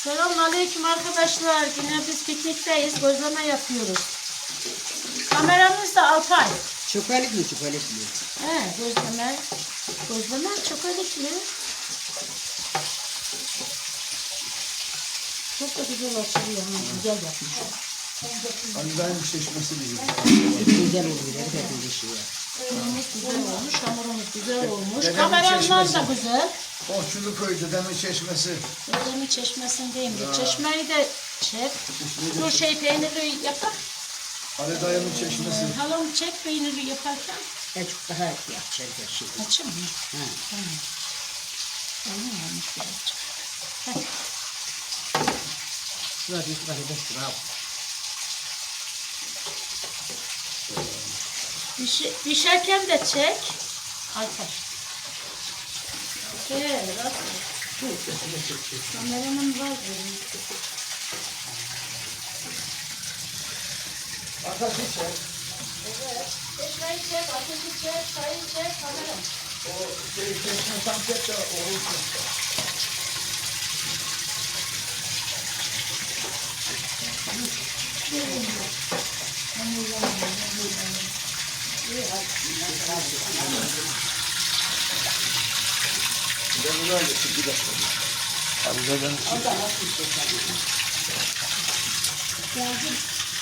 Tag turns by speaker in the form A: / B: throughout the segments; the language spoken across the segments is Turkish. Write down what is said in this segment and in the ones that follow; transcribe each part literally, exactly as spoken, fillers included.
A: Selamünaleyküm arkadaşlar. Yine biz piknikteyiz. Gözleme yapıyoruz. Kameramız da Alpay.
B: Çöpelikli çöpelikli.
A: He, gözleme. Gözleme çöpelikli. Çok da güzel açılıyor. Ha, güzel yapmış.
C: Aniden çeşmesi gibi.
B: Güzel oluyor. Hepimiz işi ya.
A: Hamurumuz güzel olmuş. Hamurumuz güzel olmuş.
C: Dedemin
A: Kameramdan
C: çeşmesi.
A: da güzel.
C: Orçulu köy dedemin çeşmesi.
A: Dedemin çeşmesindeyim de. Çeşmeyi de çek. Dur şey peynirli yapar.
C: Ali dayımın çeşmesi.
A: Halam çek peynirli yaparken.
B: Azıcık daha yapacak her şey.
A: Açayım mı?
B: Ha.
A: Tamam. Tamam olmuş birazcık.
B: Şurada bir şurada beş lira al.
A: Pişi, pişerken de çek. Alper. Gel, bak. Kameranın var benim.
C: Ateşi çek.
A: Evet. Çeşmeyi çek, ateşi çek, çayı çek, kamera.
C: O şey çeşme tam çek de olursun. Ben bunu hallettim bir dakika. Halleden
A: Geldim.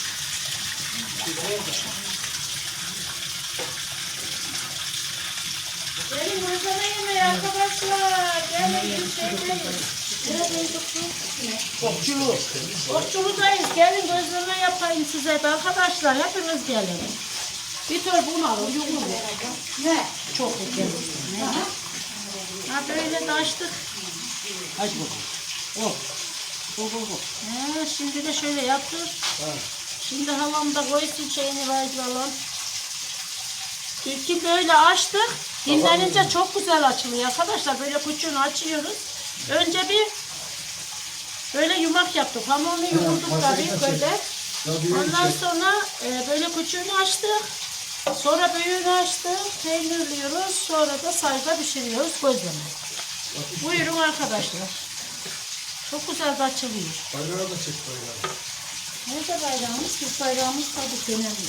A: Gelin gözleme yemeği arkadaşlar. Gelin bir şeydeyiz. Neredeyiz?
C: Okçulu.
A: Okçuludayız. Gelin gözleme yapayım size de arkadaşlar. Hepiniz gelin. Bir tür bunu alın. Yumur. Ne? Çok güzel. Ne? Ha böyle de açtık.
B: Aç bakalım. Oh. Oh oh oh.
A: He, şimdi de şöyle yaptık. Şimdi halam da koysun şeyini vazgeçelim. İlkin böyle açtık. Dinlenince çok güzel açılıyor arkadaşlar. Böyle kuçunu açıyoruz. Önce bir böyle yumak yaptık. Hamurunu yoğurduk tabii böyle. Ondan sonra e, böyle kuçunu açtık. Sonra büyüğünü açtık. Peynirliyoruz. Sonra da sayda pişiriyoruz. Gözleme. Buyurun arkadaşlar. Çok güzel de açılıyor.
C: Bayrağı da çek bayrağı.
A: Nerede bayrağımız? Biz bayrağımız tabii önemli.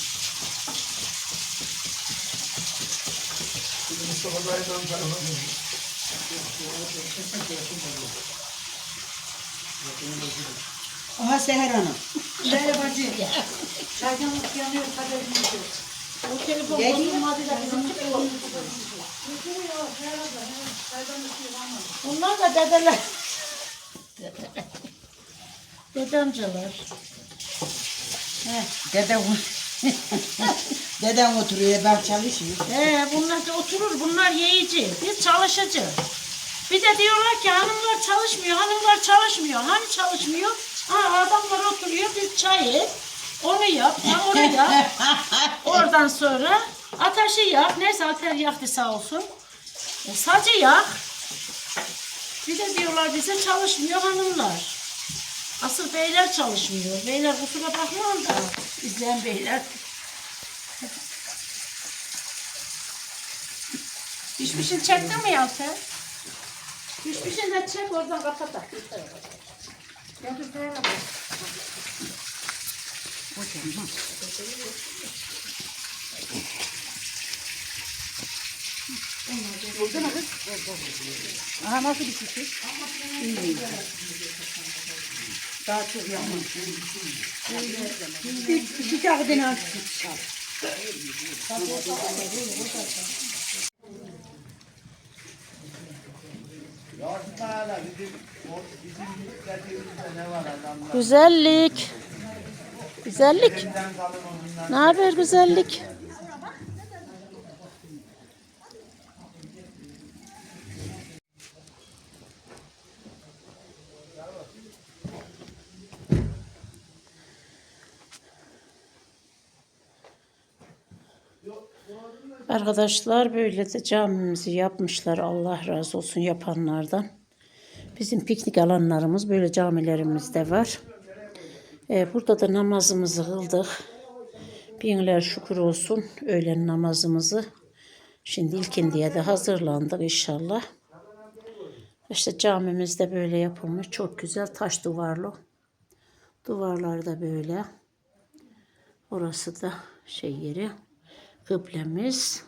C: Şimdi Mustafa dayıdan tarafa
B: Aha Seher Hanım.
A: Merhaba bacı. Çaydanlık yanıyor, kaderimiz yok. O telefon bozulmadı da bizim telefon. Bunlar da dedeler. Dedemcalar. He.
B: Dedem Dedem oturuyor, ben çalışıyorum.
A: He, bunlar da oturur, bunlar yiyici. Biz çalışıcı. Bir de diyorlar ki hanımlar çalışmıyor, hanımlar çalışmıyor. Hani çalışmıyor? Ha, adamlar oturuyor, biz çayı, onu yap, hamuru yap. Oradan sonra ateşi yak. Neyse Alper yaktı sağ olsun. E, sacı yak. Bir de diyorlar bize çalışmıyor hanımlar. Asıl beyler çalışmıyor. Beyler kusura bakmayın da izleyen beyler. Pişmişin çektin mi Alper? Pişmişin de çek oradan kapat da. Ya dur böyle bak.
B: Oldu mu kız? Aha nasıl bir kişi? İyi. Daha çok yapmam. Bir bir tane de nasıl çıkar?
A: Güzellik. Güzellik. Ne haber güzellik? Arkadaşlar böyle de camimizi yapmışlar. Allah razı olsun yapanlardan. Bizim piknik alanlarımız böyle camilerimiz de var. Ee, burada da namazımızı kıldık. Binler şükür olsun öğlen namazımızı. Şimdi ilkindiye de hazırlandık inşallah. İşte camimiz de böyle yapılmış. Çok güzel taş duvarlı. Duvarlar da böyle. Orası da şey yeri. Kıblemiz.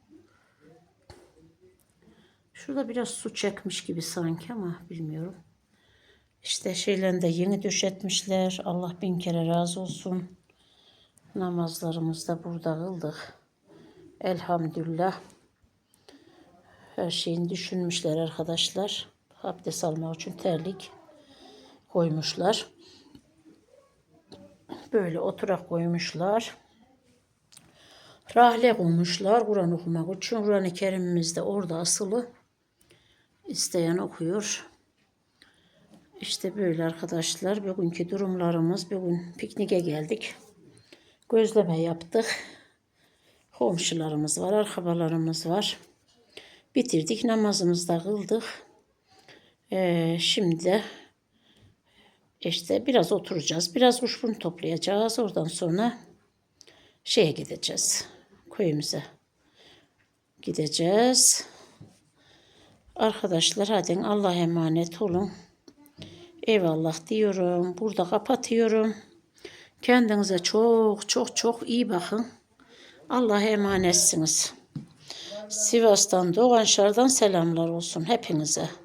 A: Şurada biraz su çekmiş gibi sanki ama bilmiyorum. İşte şeylerini de yeni döşetmişler. Allah bin kere razı olsun. Namazlarımızı da burada kıldık. Elhamdülillah. Her şeyini düşünmüşler arkadaşlar. Abdest almak için terlik koymuşlar. Böyle oturak koymuşlar. Rahle koymuşlar Kur'an okumak için. Kur'an-ı Kerim'imiz de orada asılı. İsteyen okuyor. İşte böyle arkadaşlar. Bugünkü durumlarımız. Bugün pikniğe geldik. Gözleme yaptık. Komşularımız var, akrabalarımız var. Bitirdik, namazımızı da kıldık. Ee, şimdi de işte biraz oturacağız. Biraz kuşburnu toplayacağız. Oradan sonra şeye gideceğiz. Köyümüze gideceğiz. Arkadaşlar hadi Allah'a emanet olun. Eyvallah diyorum. Burada kapatıyorum. Kendinize çok çok çok iyi bakın. Allah'a emanetsiniz. Sivas'tan, Doğanşar'dan selamlar olsun hepinize.